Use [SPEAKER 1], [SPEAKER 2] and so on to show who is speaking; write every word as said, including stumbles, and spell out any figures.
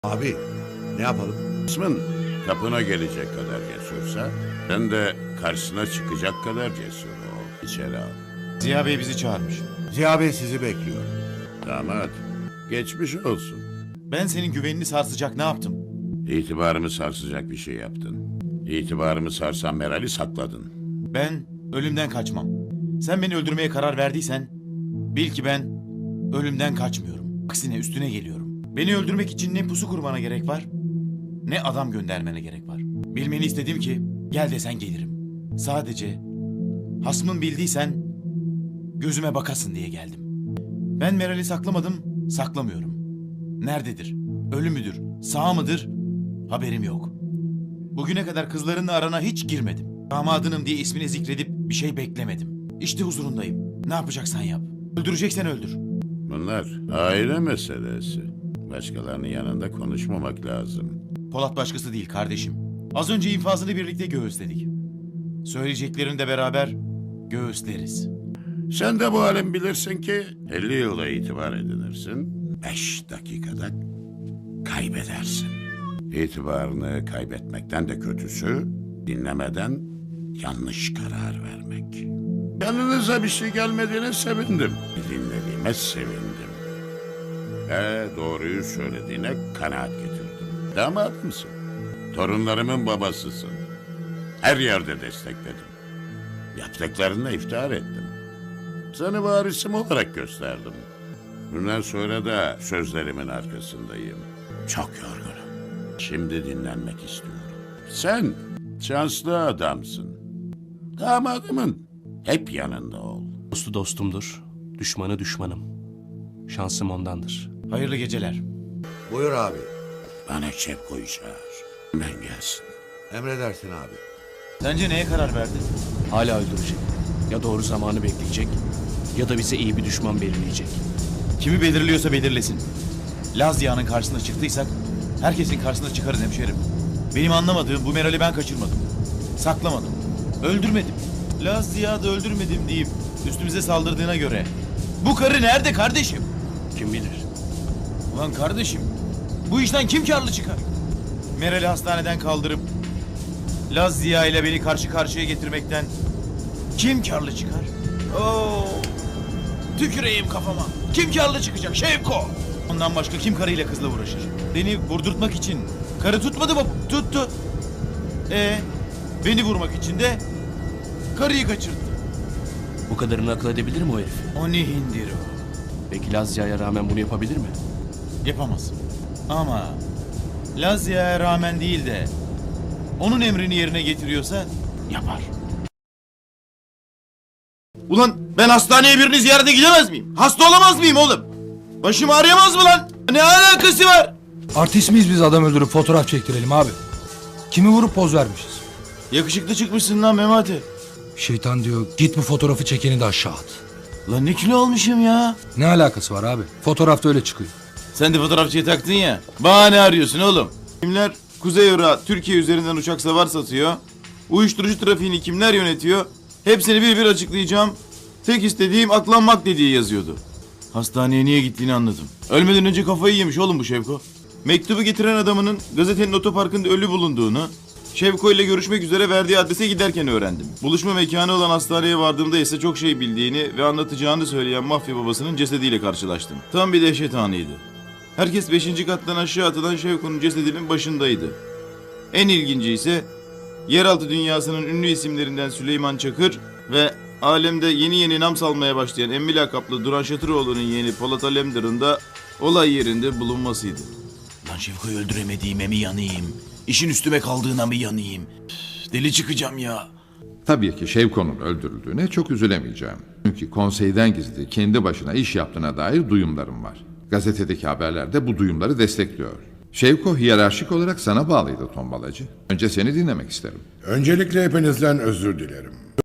[SPEAKER 1] Abi ne yapalım?
[SPEAKER 2] Kısmın kapına gelecek kadar cesursa, sen de karşısına çıkacak kadar cesur ol. İçeri al.
[SPEAKER 3] Ziya Bey bizi çağırmış.
[SPEAKER 1] Ziya Bey sizi bekliyor.
[SPEAKER 2] Damat, geçmiş olsun.
[SPEAKER 3] Ben senin güvenini sarsacak ne yaptım?
[SPEAKER 2] İtibarımı sarsacak bir şey yaptın. İtibarımı sarsan Meral'i sakladın.
[SPEAKER 3] Ben ölümden kaçmam. Sen beni öldürmeye karar verdiysen bil ki ben ölümden kaçmıyorum. Aksine üstüne geliyorum. Beni öldürmek için ne pusu kurmana gerek var ne adam göndermene gerek var. Bilmeni istedim ki gel desen gelirim. Sadece hasmın bildiysen gözüme bakasın diye geldim. Ben Meral'i saklamadım, saklamıyorum. Nerededir? Ölü müdür? Sağ mıdır? Haberim yok. Bugüne kadar kızlarınla arana hiç girmedim. Damadınım diye ismini zikredip bir şey beklemedim. İşte huzurundayım. Ne yapacaksan yap. Öldüreceksen öldür.
[SPEAKER 2] Bunlar aile meselesi. Başkalarının yanında konuşmamak lazım.
[SPEAKER 3] Polat başkası değil kardeşim. Az önce infazını birlikte göğüsledik. Söyleyeceklerini de beraber göğüsleriz.
[SPEAKER 2] Sen de bu halin bilirsin ki elli yılda itibar edinirsin. Beş dakikada kaybedersin. İtibarını kaybetmekten de kötüsü dinlemeden yanlış karar vermek. Yanınıza bir şey gelmediğine sevindim. Dinlediğime sevindim. Ve doğruyu söylediğine kanaat getirdim. Damat mısın? Torunlarımın babasısın. Her yerde destekledim. Yaptıklarına iftihar ettim. Seni varisim olarak gösterdim. Bundan sonra da sözlerimin arkasındayım. Çok yorgunum. Şimdi dinlenmek istiyorum. Sen şanslı adamsın. Damadımın hep yanında ol.
[SPEAKER 4] Dostu dostumdur, düşmanı düşmanım. Şansım ondandır.
[SPEAKER 3] Hayırlı geceler.
[SPEAKER 1] Buyur abi.
[SPEAKER 2] Bana Şevko'yu çağır. Ben gelsin.
[SPEAKER 1] Emredersin abi.
[SPEAKER 3] Sence neye karar verdin?
[SPEAKER 4] Hala öldürecek. Ya doğru zamanı bekleyecek ya da bize iyi bir düşman belirleyecek.
[SPEAKER 3] Kimi belirliyorsa belirlesin. Laz Ziya'nın karşısına çıktıysak herkesin karşısına çıkarız hemşerim. Benim anlamadığım bu Meral'i ben kaçırmadım. Saklamadım. Öldürmedim. Laz Ziya da öldürmedim deyip üstümüze saldırdığına göre bu karı nerede kardeşim?
[SPEAKER 4] Kim bilir?
[SPEAKER 3] Ulan kardeşim bu işten kim karlı çıkar? Meral'i hastaneden kaldırıp Laz Ziya ile beni karşı karşıya getirmekten kim karlı çıkar? Oo, tüküreyim kafama. Kim karlı çıkacak Şevko? Ondan başka kim karıyla kızla uğraşır? Beni vurdurtmak için karı tutmadı mı? Tuttu. E beni vurmak için de karıyı kaçırdı.
[SPEAKER 4] Bu kadarını akıl edebilir mi o herif?
[SPEAKER 3] O ne hindir o?
[SPEAKER 4] Peki Lazya'ya rağmen bunu yapabilir mi?
[SPEAKER 3] Yapamaz. Ama Laz Ziya'ya rağmen değil de onun emrini yerine getiriyorsa yapar. Ulan ben hastaneye birini ziyarete gidemez miyim? Hasta olamaz mıyım oğlum? Başım ağrıyamaz mı lan? Ne alakası var?
[SPEAKER 5] Artist miyiz biz adam öldürüp fotoğraf çektirelim abi? Kimi vurup poz vermişiz?
[SPEAKER 3] Yakışıklı çıkmışsın lan Memati.
[SPEAKER 5] Şeytan diyor git bu fotoğrafı çekeni de aşağı at.
[SPEAKER 3] Lan ne kilo olmuşum ya?
[SPEAKER 5] Ne alakası var abi? Fotoğrafta öyle çıkıyor.
[SPEAKER 3] Sen de fotoğrafçıyı taktın ya. Bahane arıyorsun oğlum. Kimler Kuzey Irak'a Türkiye üzerinden uçak savar satıyor? Uyuşturucu trafiğini kimler yönetiyor? Hepsini bir bir açıklayacağım. Tek istediğim aklanmak dediği yazıyordu. Hastaneye niye gittiğini anladım. Ölmeden önce kafayı yemiş oğlum bu Şevko. Mektubu getiren adamının gazetenin otoparkında ölü bulunduğunu, Şevko ile görüşmek üzere verdiği adrese giderken öğrendim. Buluşma mekanı olan hastaneye vardığımda ise çok şey bildiğini ve anlatacağını söyleyen mafya babasının cesediyle karşılaştım. Tam bir dehşet anıydı. Herkes beşinci kattan aşağı atılan Şevko'nun cesedinin başındaydı. En ilginci ise yeraltı dünyasının ünlü isimlerinden Süleyman Çakır ve alemde yeni yeni nam salmaya başlayan emmi lakaplı Duran Şatıroğlu'nun yeğeni Polat Alemdar'ın da olay yerinde bulunmasıydı. Lan Şevko'yu öldüremediğime mi yanayım? İşin üstüme kaldığına mı yanayım? Üf, deli çıkacağım ya.
[SPEAKER 6] Tabii ki Şevko'nun öldürüldüğüne çok üzülemeyeceğim. Çünkü konseyden gizli kendi başına iş yaptığına dair duyumlarım var. Gazetedeki haberler de bu duyumları destekliyor. Şevko hiyerarşik olarak sana bağlıydı tombalacı. Önce seni dinlemek isterim.
[SPEAKER 7] Öncelikle hepinizden özür dilerim.